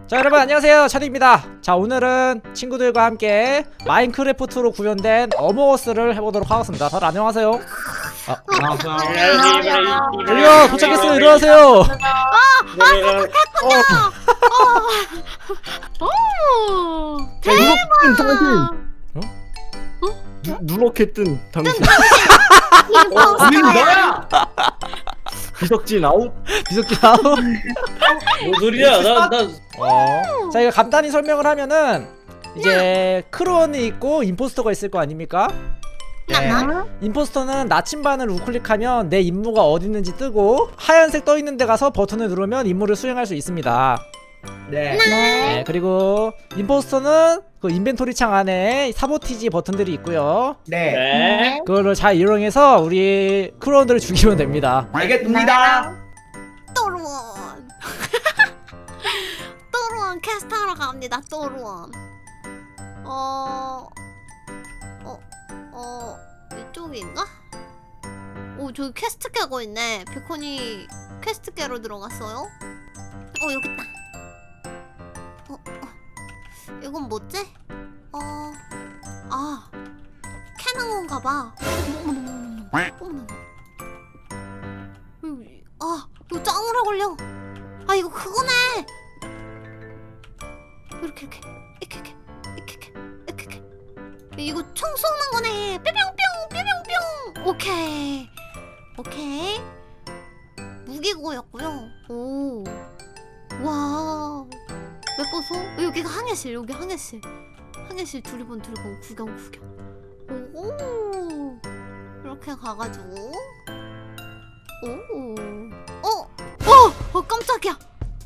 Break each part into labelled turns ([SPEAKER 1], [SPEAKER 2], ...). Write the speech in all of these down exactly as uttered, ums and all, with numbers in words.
[SPEAKER 1] 자 여러분 안녕하세요, 차디입니다. 자 오늘은 친구들과 함께 마인크래프트로 구현된 어몽어스를 해보도록 하겠습니다. 다들 안녕하세요. 아, 여기요 도착했어요. 일어나세요.
[SPEAKER 2] 누렇게 뜬 당신.
[SPEAKER 3] 우린 너야!
[SPEAKER 2] 비석진 아웃.
[SPEAKER 1] 비석기 나오.
[SPEAKER 3] 뭔 소리야? 나, 나.
[SPEAKER 1] 어. 자 이거 간단히 설명을 하면은 이제 크론이 있고 임포스터가 있을 거 아닙니까? 네. 임포스터는 나침반을 우클릭하면 내 임무가 어디 있는지 뜨고 하얀색 떠 있는 데 가서 버튼을 누르면 임무를 수행할 수 있습니다.
[SPEAKER 3] 네.
[SPEAKER 1] 네, 그리고 임포스터는 그 인벤토리 창 안에 사보티지 버튼들이 있고요.
[SPEAKER 3] 네. 네.
[SPEAKER 1] 그걸로 잘 이용해서 우리 크론들을 죽이면 됩니다.
[SPEAKER 3] 알겠습니다.
[SPEAKER 4] 또르원 또르원 캐스트하러 갑니다. 또르원 어... 어... 어... 이쪽인가? 오 저기 퀘스트 깨고 있네. 비콘이 퀘스트 깨러 들어갔어요? 어 여기 있다. 어... 어... 이건 뭐지? 어... 아... 캐는 건가 봐. 어머머머머머. 어머머머. 아, 이거 짱 오래 걸려. 아, 이거 그거네. 이렇게 이렇게 이렇게 이렇게 이렇게 이렇게 이렇게. 이거 총 쏘는 거네. 뿅뿅뿅 뿅뿅뿅. 오케이 오케이. 무기고였고요. 오, 와. 몇 번 쏘? 여기가 항해실. 여기 항해실. 항해실 두리번 두리번 구경 구경. 오, 이렇게 가가지고. 오, 어, 어, 어, 깜짝이야.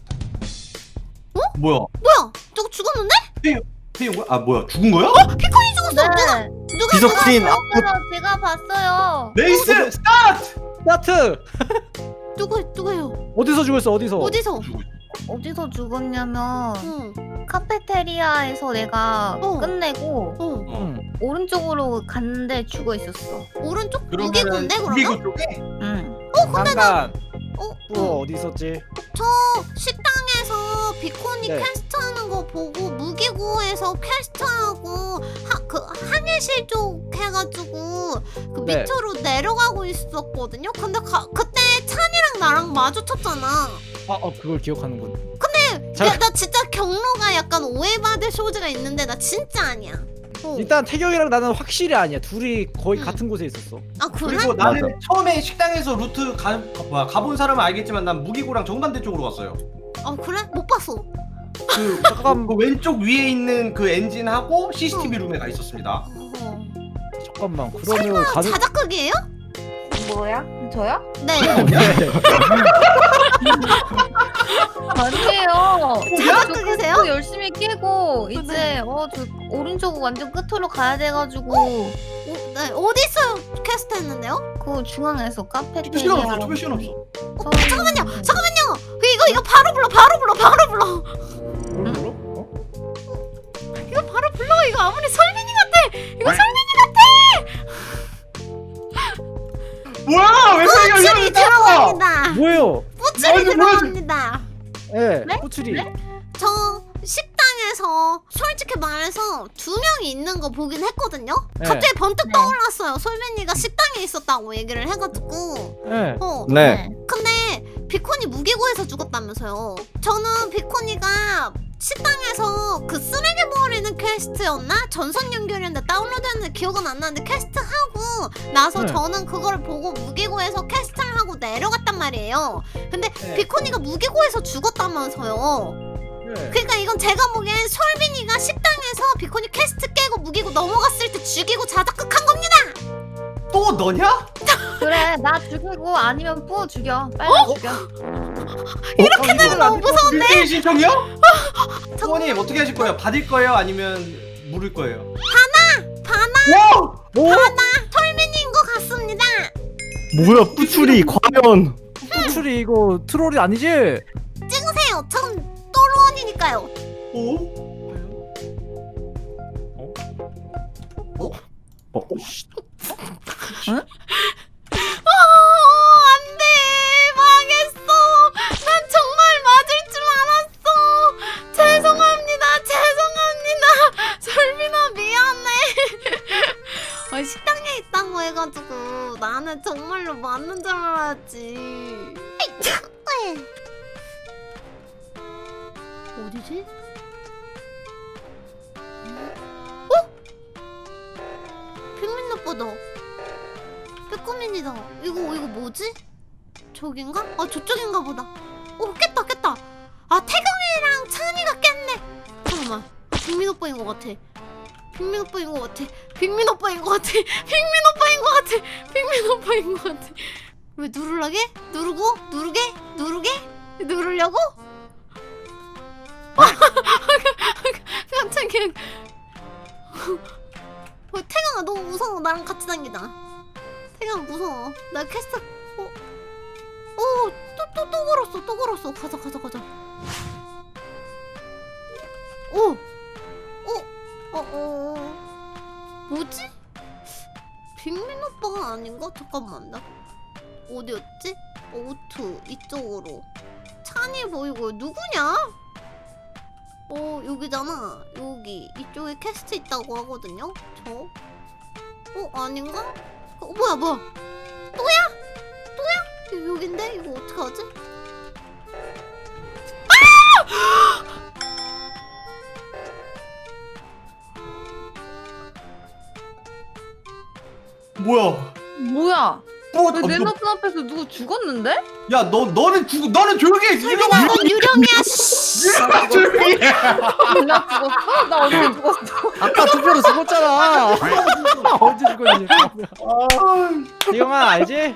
[SPEAKER 2] 뭐야?
[SPEAKER 4] 뭐야? 저거 죽었는데?
[SPEAKER 2] 태용 거야? 아 뭐야? 죽은 거야?
[SPEAKER 4] 어, 피콘이 죽었어. 누가? 누가?
[SPEAKER 2] 비석진 아웃.
[SPEAKER 5] 그래서 제가 봤어요.
[SPEAKER 2] 레이스 스타트.
[SPEAKER 1] 스타트!
[SPEAKER 4] 누가? 누가요?
[SPEAKER 1] 어디서 죽었어? 어디서?
[SPEAKER 4] 어디서?
[SPEAKER 5] 어디서 죽었냐면
[SPEAKER 4] 응,
[SPEAKER 5] 카페테리아에서 내가
[SPEAKER 4] 어.
[SPEAKER 5] 끝내고
[SPEAKER 4] 어,
[SPEAKER 1] 응.
[SPEAKER 5] 오른쪽으로 갔는데 죽어 있었어.
[SPEAKER 4] 오른쪽 무기군데 그러면?
[SPEAKER 2] 무기고 쪽에?
[SPEAKER 5] 응.
[SPEAKER 4] 어, 근데 나,
[SPEAKER 1] 잠깐.
[SPEAKER 4] 어,
[SPEAKER 1] 또
[SPEAKER 4] 어,
[SPEAKER 1] 어디 있었지?
[SPEAKER 4] 저 식당에서 비콘이
[SPEAKER 1] 네.
[SPEAKER 4] 퀘스트하는 거 보고 무기고에서 퀘스트하고 하, 그 항해실 쪽 해가지고 그
[SPEAKER 1] 네.
[SPEAKER 4] 밑으로 내려가고 있었거든요. 근데 가, 그때 찬이랑 나랑 마주쳤잖아.
[SPEAKER 1] 아, 어, 그걸 기억하는군.
[SPEAKER 4] 야, 나 진짜 경로가 약간 오해받을 소지가 있는데 나 진짜 아니야. 어.
[SPEAKER 1] 일단 태경이랑 나는 확실히 아니야. 둘이 거의
[SPEAKER 4] 응.
[SPEAKER 1] 같은 곳에 있었어.
[SPEAKER 4] 아 그래?
[SPEAKER 3] 그리고 나는
[SPEAKER 2] 맞아.
[SPEAKER 3] 처음에 식당에서 루트 가, 가, 뭐야, 가본 사람은 알겠지만 난 무기고랑 정반대 쪽으로 갔어요.
[SPEAKER 4] 아 그래? 못 봤어.
[SPEAKER 3] 그,
[SPEAKER 1] 잠깐.
[SPEAKER 3] 그 왼쪽 위에 있는 그 엔진하고 씨씨티비 룸에 가 있었습니다.
[SPEAKER 4] 어.
[SPEAKER 1] 잠깐만. 그러면
[SPEAKER 4] 설마
[SPEAKER 1] 가는
[SPEAKER 4] 자작극이에요?
[SPEAKER 5] 뭐야? 저요?
[SPEAKER 4] 네.
[SPEAKER 5] 아니에요.
[SPEAKER 4] 자작극이세요?
[SPEAKER 5] 저 열심히 깨고 이제 어 저 오른쪽 완전 끝으로 가야 돼가지고
[SPEAKER 4] 어, 네. 어디 있어요? 퀘스트 했는데요?
[SPEAKER 5] 그 중앙에서
[SPEAKER 3] 투표 시간 없어.
[SPEAKER 5] 카페테리아.
[SPEAKER 3] 투표 시간 없어.
[SPEAKER 5] 저...
[SPEAKER 4] 잠깐만요. 잠깐만요. 이거 이거 바로 불러. 바로 불러. 바로 불러.
[SPEAKER 1] 뭘 불러? 어?
[SPEAKER 4] 이거 바로 불러. 이거 아무리 설민이 같아. 이거 설민이 같아.
[SPEAKER 3] 뭐야? 왜 그래?
[SPEAKER 4] 뿌출이 들어갑니다.
[SPEAKER 1] 뭐예요?
[SPEAKER 4] 뿌출이
[SPEAKER 3] 뭐야, 뭐야,
[SPEAKER 4] 들어갑니다.
[SPEAKER 1] 예,
[SPEAKER 5] 네?
[SPEAKER 1] 호출이.
[SPEAKER 5] 네?
[SPEAKER 4] 저 식당에서 솔직히 말해서 두 명이 있는 거 보긴 했거든요.
[SPEAKER 1] 네.
[SPEAKER 4] 갑자기 번뜩
[SPEAKER 5] 네.
[SPEAKER 4] 떠올랐어요. 솔민이가 식당에 있었다고 얘기를 해가지고.
[SPEAKER 1] 예.
[SPEAKER 4] 어.
[SPEAKER 2] 네.
[SPEAKER 4] 근데 비콘이 무기고에서 죽었다면서요. 저는 비콘이가 식당에서 그 쓰레기 버리는 퀘스트였나? 전선 연결이었는데 다운로드했는데 기억은 안 나는데 퀘스트 하고 나서
[SPEAKER 1] 네.
[SPEAKER 4] 저는 그걸 보고 무기고에서 퀘스트를 하고 내려갔단 말이에요. 근데
[SPEAKER 1] 네.
[SPEAKER 4] 비콘이가 무기고에서 죽었다면서요.
[SPEAKER 1] 예.
[SPEAKER 4] 그러니까 이건 제가 보기엔 솔빈이가 식당에서 비콘이 퀘스트 깨고 무기고 넘어갔을 때 죽이고 자작극한 겁니다.
[SPEAKER 3] 또 너냐?
[SPEAKER 5] 그래 나 죽이고 아니면 뿌 죽여. 빨리 죽여.
[SPEAKER 4] 이렇게 되면 너무 무서운데?
[SPEAKER 3] 일대일 신청이요? 부모님 어떻게 하실 거예요? 받을 거예요? 아니면 물을 거예요?
[SPEAKER 4] 바나
[SPEAKER 3] 와!
[SPEAKER 1] 오!
[SPEAKER 4] 솔빈인 것 같습니다.
[SPEAKER 2] 뭐야? 뿌출이 과연?
[SPEAKER 1] 호출이 이거 트롤이 아니지?
[SPEAKER 4] 찍으세요. 전 또로원이니까요.
[SPEAKER 3] 오?
[SPEAKER 2] 어?
[SPEAKER 4] 어, 안돼 망했어. 난 정말 맞을 줄 알았어. 말아야지. 어디지? 어? 빅민 오빠다. 빼꼼민이다. 이거 이거 뭐지? 저긴가? 아 저쪽인가 보다. 오 깼다 깼다. 아 태경이랑 찬이가 깼네. 잠깐만. 아, 빅민 오빠인 것 같아. 빅민 오빠인 것 같아. 빅민 오빠인 것 같아. 빅민 오빠인 것 같아. 빅민 오빠인 것 같아. 왜 누르라게? 누르고 누르게 누르게 누르려고? 깜짝이야. 어, 태경아 너무 무서워. 나랑 같이 다니자. 태경아 무서워. 나 캐스트. 어? 어? 또 또 또 걸었어. 또 걸었어. 가자 가자 가자. 오. 어? 어? 어? 뭐지? 빅민 오빠가 아닌가? 잠깐만 나 어디였지? 오투 이쪽으로. 찬이 보이고 누구냐? 어 여기잖아. 여기 이쪽에 캐스트 있다고 하거든요. 저? 어 아닌가? 어 뭐야 뭐야? 또야? 또야? 여- 여긴데? 이거 어떡하지?
[SPEAKER 3] 뭐야?
[SPEAKER 5] 뭐야?
[SPEAKER 3] 뭐?
[SPEAKER 5] 왜 내 눈앞 앞에서 누구 죽었는데?
[SPEAKER 3] 야너 너는 죽 너는 조용히 해.
[SPEAKER 4] 설마 넌 유령이야. 씨.
[SPEAKER 3] 조용히 해.
[SPEAKER 5] 나 죽었어? 나 언제 죽었어?
[SPEAKER 1] 아까 투표로 죽었잖아. 언제 죽었니? 태경아 알지?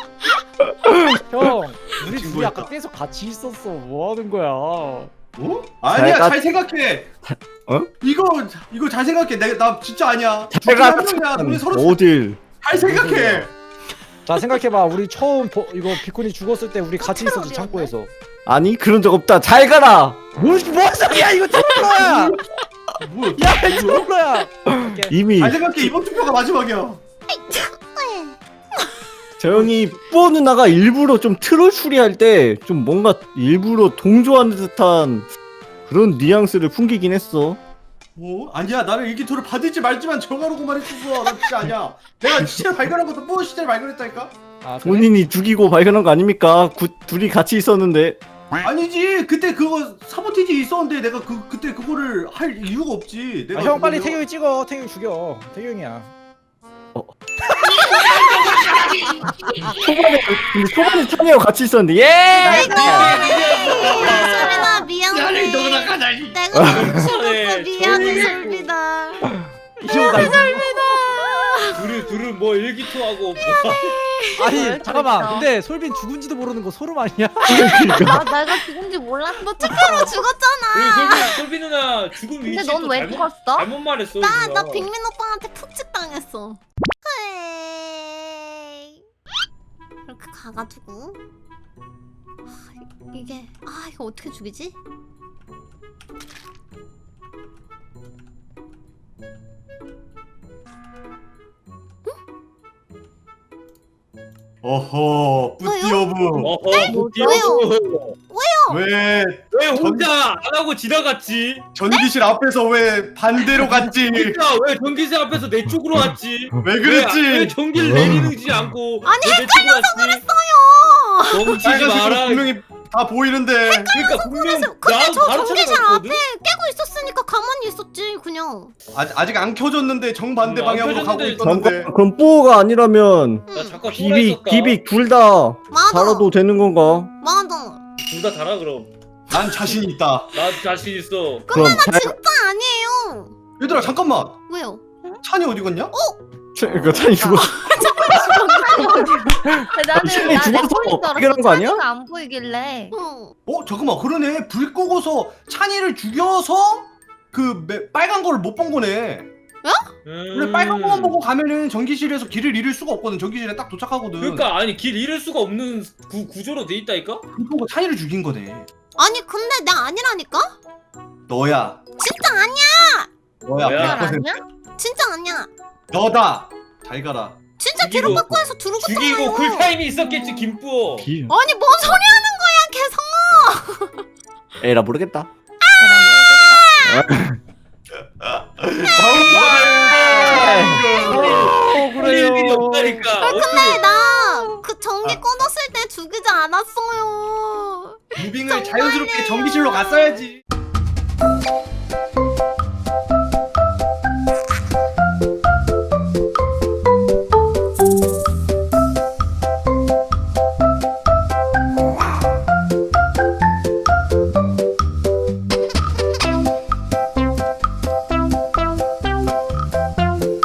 [SPEAKER 1] 형 우리 둘이
[SPEAKER 3] 친구였다.
[SPEAKER 1] 아까 계속 같이 있었어. 뭐 하는 거야?
[SPEAKER 3] 어? 아니야
[SPEAKER 2] 잘
[SPEAKER 3] 잘 생각해.
[SPEAKER 2] 어?
[SPEAKER 3] 이거 이거 잘 생각해. 내가 나 진짜 아니야.
[SPEAKER 2] 제가
[SPEAKER 3] 한 명이야. 우리 서로
[SPEAKER 2] 어딜
[SPEAKER 3] 잘 생각해.
[SPEAKER 1] 자 생각해봐. 우리 처음 보, 이거 비콘이 죽었을 때 우리 같이 있었지
[SPEAKER 4] 트롤이었네?
[SPEAKER 1] 창고에서.
[SPEAKER 2] 아니 그런 적 없다. 잘 가라.
[SPEAKER 1] 뭘, 뭔 소리야 이거 트롤러야.
[SPEAKER 3] 뭐야?
[SPEAKER 1] 야 이거 트롤러야. 오케이.
[SPEAKER 2] 이미
[SPEAKER 3] 잘 생각해. 이번 투표가 마지막이야.
[SPEAKER 2] 저 형이 뿌어 누나가 일부러 좀 트롤 추리할 때 좀 뭔가 일부러 동조하는 듯한 그런 뉘앙스를 풍기긴 했어.
[SPEAKER 3] 뭐? 아니야 나는 일기토를 받을지 말지만 정하라고 말했었어. 나 진짜 아니야. 내가 시체를 발견한 것도 뭐 시체를 발견했다니까?
[SPEAKER 1] 아, 그래?
[SPEAKER 2] 본인이 죽이고 발견한 거 아닙니까? 구, 둘이 같이 있었는데.
[SPEAKER 3] 아니지 그때 그거 사보티지 있었는데 내가 그 그때 그거를 할 이유가 없지. 내가
[SPEAKER 1] 아, 형 빨리
[SPEAKER 3] 그거를-
[SPEAKER 1] 태경이 찍어. 태경이 죽여. 태경이야.
[SPEAKER 2] 초반에 근데 초반에 찬이하고 같이 있었는데 예.
[SPEAKER 4] 솔비나 미안해. 내가 죽었어. 미안해 솔비나.
[SPEAKER 1] 이거 나
[SPEAKER 6] 둘이 둘은 뭐 일기토하고 뭐
[SPEAKER 1] 아니
[SPEAKER 5] 왜
[SPEAKER 1] 잠깐만.
[SPEAKER 5] 그랬어?
[SPEAKER 1] 근데 솔빈 죽은지도 모르는 거 소름 아니야?
[SPEAKER 5] 나 내가 죽은지 몰랐어.
[SPEAKER 4] 너 투표로 죽었잖아.
[SPEAKER 6] 그리고 솔비 솔비 누나 죽은
[SPEAKER 5] 근데
[SPEAKER 6] 위치
[SPEAKER 5] 넌
[SPEAKER 6] 또
[SPEAKER 5] 왜
[SPEAKER 6] 잘못
[SPEAKER 5] 죽었어?
[SPEAKER 6] 잘못 말했어.
[SPEAKER 4] 나,
[SPEAKER 6] 누나.
[SPEAKER 4] 나 빅민 오빠한테 푹찍 당했어. 헤이. 이렇게 가가지고. 아, 이게, 아, 이거 어떻게 죽이지?
[SPEAKER 3] 어허 뿌띠오브
[SPEAKER 6] 어허 뭐
[SPEAKER 4] 왜요?
[SPEAKER 3] 왜
[SPEAKER 6] 왜 혼자 안 하고 지나갔지?
[SPEAKER 3] 전기실 앞에서 왜 반대로 갔지?
[SPEAKER 6] 진짜 왜 전기세 앞에서 내 쪽으로 왔지?
[SPEAKER 3] 왜
[SPEAKER 6] 왜, 왜
[SPEAKER 3] 그랬지?
[SPEAKER 6] 전기를 내리는지 않고
[SPEAKER 4] 아니,
[SPEAKER 6] 왜 내 쪽으로 왔지?
[SPEAKER 4] 어요!
[SPEAKER 6] 멈추지
[SPEAKER 3] 빨간색으로
[SPEAKER 6] 마라.
[SPEAKER 3] 분명히 다 보이는데
[SPEAKER 6] 그러니까 분명
[SPEAKER 4] 근데
[SPEAKER 6] 나
[SPEAKER 4] 저
[SPEAKER 6] 바로
[SPEAKER 4] 전기실
[SPEAKER 6] 찾아갔거든?
[SPEAKER 4] 깨고 있었으니까 가만히 있었지, 그냥.
[SPEAKER 3] 아직 아직 안 켜졌는데 정반대
[SPEAKER 6] 음, 안
[SPEAKER 3] 방향으로 가고
[SPEAKER 6] 켜졌는데
[SPEAKER 3] 있었는데
[SPEAKER 2] 잠깐 그럼 뿌어가 아니라면
[SPEAKER 6] 나 잠깐
[SPEAKER 2] 비빅
[SPEAKER 6] 쏘라
[SPEAKER 2] 비빅 둘 다
[SPEAKER 4] 맞아.
[SPEAKER 2] 달아도 되는 건가?
[SPEAKER 4] 맞아.
[SPEAKER 6] 둘다 달아 그럼.
[SPEAKER 3] 난 자신 있다.
[SPEAKER 6] 나 자신 있어.
[SPEAKER 2] 그럼 잘
[SPEAKER 4] 진짜 아니에요.
[SPEAKER 3] 얘들아 잠깐만
[SPEAKER 4] 왜요?
[SPEAKER 3] 찬이 어디 갔냐?
[SPEAKER 2] 그 찬이 죽었어.
[SPEAKER 5] 나는
[SPEAKER 2] 시간이
[SPEAKER 5] 나내
[SPEAKER 2] 죽어서
[SPEAKER 5] 폰인 줄
[SPEAKER 2] 발견한
[SPEAKER 5] 알았어.
[SPEAKER 2] 거 아니야?
[SPEAKER 5] 찬이가 안 보이길래.
[SPEAKER 4] 어.
[SPEAKER 3] 어 잠깐만 그러네 불 끄고서 찬이를 죽여서 그 매- 빨간 거를 못 본 거네. 원래
[SPEAKER 6] 음.
[SPEAKER 3] 빨간 거만 보고 가면은 전기실에서 길을 잃을 수가 없거든. 전기실에 딱 도착하거든.
[SPEAKER 6] 그러니까 아니 길 잃을 수가 없는 구, 구조로 돼 있다니까?
[SPEAKER 3] 불 끄고 찬이를 죽인 거네.
[SPEAKER 4] 아니, 근데 나 아니라니까?
[SPEAKER 3] 너야.
[SPEAKER 4] 진짜 아니야!
[SPEAKER 3] 너야.
[SPEAKER 6] 뭐야?
[SPEAKER 3] 백 퍼센트.
[SPEAKER 5] 아니야?
[SPEAKER 4] 진짜 아니야.
[SPEAKER 3] 너다. 잘 가라.
[SPEAKER 4] 진짜
[SPEAKER 6] 죽이고-
[SPEAKER 4] 뒤로 바꿔서 두르고
[SPEAKER 6] 죽이고 쿨타임이 있었겠지 김뿌어.
[SPEAKER 2] 기...
[SPEAKER 4] 아니, 뭔 소리 하는 거야, 계속!
[SPEAKER 2] 에라 모르겠다.
[SPEAKER 1] 어
[SPEAKER 6] 할 일이 없다니까.
[SPEAKER 4] 근데 나 그 전기 꺼 않았어요.
[SPEAKER 3] 무빙을 자연스럽게 전기실로 갔어야지.